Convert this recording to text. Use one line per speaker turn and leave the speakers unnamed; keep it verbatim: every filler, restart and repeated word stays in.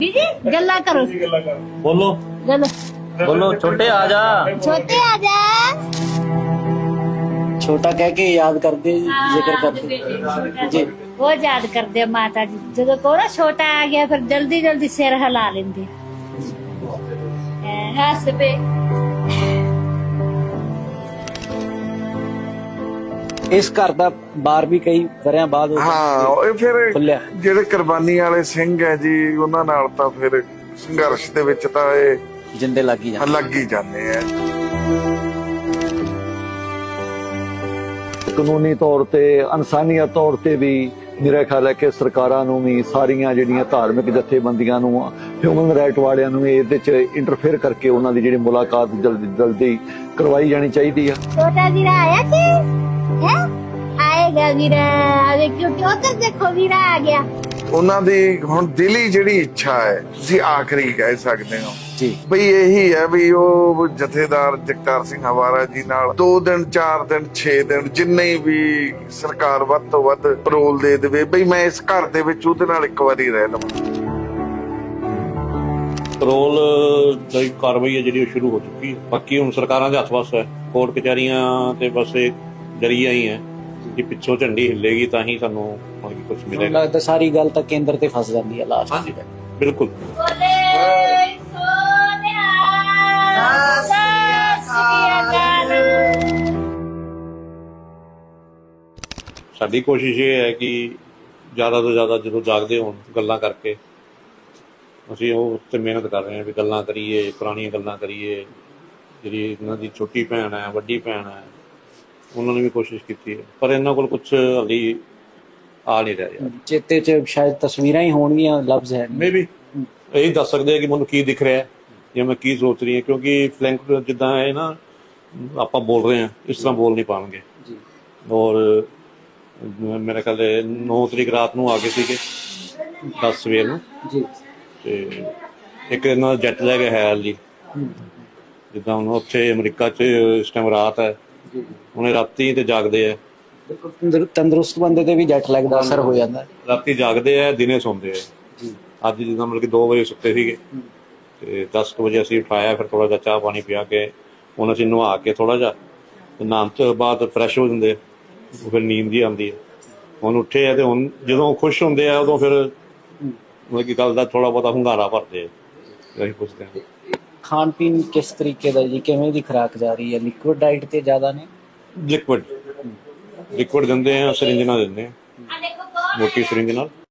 गल्ला करो,
बोलो
गल्ला
बोलो छोटे आ जा।
छोटे आ जा।
छोटा कह के याद करते जिक्र करते जी
वो याद करते माता जी जो को ना छोटा आ गया फिर जल्दी जल्दी सिर हिला लेंदे हस पे।
ਇਸ ਘਰ ਦਾ ਬਾਰ ਵੀ ਕਈ ਵਰਿਆਂ ਬਾਅਦ
ਹਾਂ ਇਹ ਫਿਰ
ਖੁੱਲਿਆ।
ਜਿਹੜੇ ਕੁਰਬਾਨੀ ਵਾਲੇ ਸਿੰਘ ਹੈ ਜੀ ਉਹਨਾਂ ਨਾਲ ਤਾਂ ਫਿਰ ਸੰਘਰਸ਼ ਦੇ ਵਿੱਚ ਤਾਂ ਇਹ
ਜਿੰਦੇ ਲੱਗ ਹੀ ਜਾਂਦੇ
ਲੱਗ ਹੀ ਜਾਂਦੇ ਆ।
ਕਾਨੂੰਨੀ ਤੌਰ ਤੇ ਇਨਸਾਨੀਅਤ ਤੌਰ ਤੇ ਵੀ ਮੇਰਾ ਖਿਆਲ ਹੈ ਕਿ ਸਰਕਾਰਾਂ ਨੂੰ ਵੀ ਸਾਰੀਆਂ ਜਿਹੜੀਆਂ ਧਾਰਮਿਕ ਜਥੇਬੰਦੀਆਂ ਨੂੰ ਹਿਊਮਨ ਰਾਈਟ ਵਾਲਿਆਂ ਨੂੰ ਇਹਦੇ ਚ ਇੰਟਰਫੇਅਰ ਕਰਕੇ ਉਹਨਾਂ ਦੀ ਜਿਹੜੀ ਮੁਲਾਕਾਤ ਜਲਦੀ ਜਲਦੀ ਕਰਵਾਈ ਜਾਣੀ ਚਾਹੀਦੀ ਆ।
छोटा वीरा आया सी है आएगा वीरा अरे क्योंकि उधर देखो वीरा आ गया।
ਉਹਨਾਂ ਦੀ ਹੁਣ ਦਿਲੀ ਜਿਹੜੀ ਇੱਛਾ ਹੈ ਤੁਸੀਂ ਆਖਰੀ ਕਹਿ ਸਕਦੇ ਹੋ
ਜੀ
ਬਈ ਇਹੀ ਹੈ ਵੀ ਉਹ ਜਥੇਦਾਰ ਜਗਤਾਰ ਸਿੰਘ ਹਵਾਰਾ ਜੀ ਨਾਲ ਦੋ ਦਿਨ ਚਾਰ ਦਿਨ ਛੇ ਦਿਨ ਜਿੰਨੇ ਵੀ ਸਰਕਾਰ ਵੱਧ ਤੋਂ ਵੱਧ ਪਰੋਲ ਦੇ ਦੇਵੇ ਬਈ ਮੈਂ ਇਸ ਘਰ ਦੇ ਵਿੱਚ ਉਹਦੇ ਨਾਲ ਇੱਕ ਵਾਰੀ ਰਹਿ ਲਵਾਂ।
ਪੈਰੋਲ ਦੀ ਕਾਰਵਾਈ ਹੈ ਜਿਹੜੀ ਉਹ ਸ਼ੁਰੂ ਹੋ ਚੁੱਕੀ ਹੈ। ਬਾਕੀ ਹੁਣ ਸਰਕਾਰਾਂ ਦੇ ਹੱਥ ਵੱਸ ਹੈ, ਕੋਰਟ ਕਚਹਿਰੀਆਂ ਤੇ ਬਸ ਇਹ ਜਰੀਆ ਹੀ ਹੈ ਕਿ ਪਿੱਛੋਂ ਝੰਡੀ ਹਿੱਲੇਗੀ ਤਾਂ ਹੀ ਸਾਨੂੰ ਮਤਲਬ ਕਿ ਕੁਝ
ਮੈਨੂੰ
ਮਿਲੇਗਾ।
ਲੱਗਦਾ ਸਾਰੀ ਗੱਲ ਤਾਂ ਕੇਂਦਰ ਤੇ ਫਸ ਜਾਂਦੀ ਹੈ ਲਾਸਟ।
ਹਾਂਜੀ ਬਿਲकुल।
बोले सोनिया ससरियाकाल।
ਸਾਡੀ ਕੋਸ਼ਿਸ਼ ਇਹ ਹੈ ਕਿ ਜ਼ਿਆਦਾ ਤੋਂ ਜ਼ਿਆਦਾ ਜਦੋਂ ਜਾਗਦੇ ਹੋਣ ਗੱਲਾਂ ਕਰਕੇ ਅਸੀਂ ਉਹ ਉੱਤੇ ਮਿਹਨਤ ਕਰ ਰਹੇ ਹਾਂ ਵੀ ਗੱਲਾਂ ਕਰੀਏ, ਪੁਰਾਣੀਆਂ ਗੱਲਾਂ ਕਰੀਏ। ਜਿਹੜੀ ਇਹਨਾਂ ਦੀ ਛੋਟੀ ਭੈਣ ਹੈ, ਵੱਡੀ ਭੈਣ ਹੈ, ਉਹਨਾਂ ਨੇ ਵੀ ਕੋਸ਼ਿਸ਼ ਕੀਤੀ ਹੈ ਪਰ ਇਹਨਾਂ ਕੋਲ ਕੁਛ ਹਾਲੀ ਆ ਨਹੀਂ ਰਿਹਾ ਯਾਰ।
ਚੇਤੇ ਚ ਸ਼ਾਇਦ ਤਸਵੀਰਾਂ ਹੀ ਹੋਣਗੀਆਂ, ਲਫ਼ਜ਼ ਹੈ
ਮੇ ਵੀ ਇਹੀ ਦੱਸ ਸਕਦੇ ਆ ਕਿ ਮੈਨੂੰ ਕੀ ਦਿਖ ਰਿਹਾ ਜਾਂ ਮੈਂ ਕੀ ਸੋਚ ਰਹੀ ਹਾਂ, ਕਿਉਂਕਿ ਫਲੈਂਕ ਜਿੱਦਾਂ ਹੈ ਨਾ ਆਪਾਂ ਬੋਲ ਰਹੇ ਹਾਂ ਇਸ ਤਰ੍ਹਾਂ ਬੋਲ ਨਹੀਂ ਪਾਉਣਗੇ।
ਜੀ
ਔਰ ਮੇਰੇ ਖਿਆਲ ਦੇ ਨੌ ਤਰੀਕ ਰਾਤ ਨੂੰ ਆ ਗਏ ਸੀਗੇ, ਦਸ ਸਵੇਰ ਨੂੰ,
ਜੀ
ਤੇ ਇੱਕ ਇਹਨਾਂ ਦਾ ਜੈਟ ਲੈਗ ਹੈ ਹਾਲੀ। ਜਿੱਦਾਂ ਹੁਣ ਉੱਥੇ ਅਮਰੀਕਾ 'ਚ ਇਸ ਟਾਈਮ ਰਾਤ ਹੈ,
ਜੀ
ਉਹਨੇ ਰਾਤੀ ਤੇ ਜਾਗਦੇ ਆ।
ਤੰਦਰ- ਤੰਦਰੁਸਤ ਬੰਦੇ ਤੇ ਵੀ ਜੱਟ ਲੱਗਦਾ ਅਸਰ ਹੋ ਜਾਂਦਾ।
ਰਾਤੀ ਜਾਗਦੇ ਆ, ਦਿਨੇ ਸੌਂਦੇ ਆ।
ਜੀ
ਅੱਜ ਜਿੱਦਾਂ ਮਤਲਬ ਕਿ ਦੋ ਵਜੇ ਸੁੱਤੇ ਸੀਗੇ ਤੇ ਦਸ ਕੁ ਵਜੇ ਅਸੀਂ ਉਠਾਇਆ, ਫਿਰ ਥੋੜਾ ਜਿਹਾ ਚਾਹ ਪਾਣੀ ਪਿਆ ਕੇ ਹੁਣ ਅਸੀਂ ਨਹਾ ਕੇ ਥੋੜਾ ਜਿਹਾ ਤੇ ਨਹਾਉਣ ਤੋਂ ਬਾਅਦ ਫਰੈਸ਼ ਹੋ ਜਾਂਦੇ, ਫਿਰ ਨੀਂਦ ਜੀ ਆਉਂਦੀ ਹੈ। ਹੁਣ ਉੱਠੇ ਆ ਤੇ ਹੁਣ ਜਦੋਂ ਖੁਸ਼ ਹੁੰਦੇ ਆ ਉਦੋਂ ਫਿਰ ਮਤਲਬ ਕਿ ਗੱਲ ਦਾ ਥੋੜਾ ਬਹੁਤਾ ਹੁੰਗਾਰਾ ਭਰਦੇ ਆ। ਅਸੀਂ ਪੁੱਛਦੇ ਹਾਂ
ਖਾਣ ਪੀਣ ਕਿਸ ਤਰੀਕੇ ਦਾ ਜੀ, ਕਿਵੇਂ ਦੀ ਖੁਰਾਕ ਜਾ ਰਹੀ ਹੈ? ਲਿਕੁਇਡ ਡਾਈਟ ਤੇ ਜ਼ਿਆਦਾ ਨੇ?
ਲਿਕਵਿਡ ਲਿਕਵਿਡ ਦਿੰਦੇ ਆ, ਸਰਿੰਜ ਨਾਲ ਦਿੰਦੇ ਆ, ਮੋਟੀ ਸਰਿੰਜ ਨਾਲ।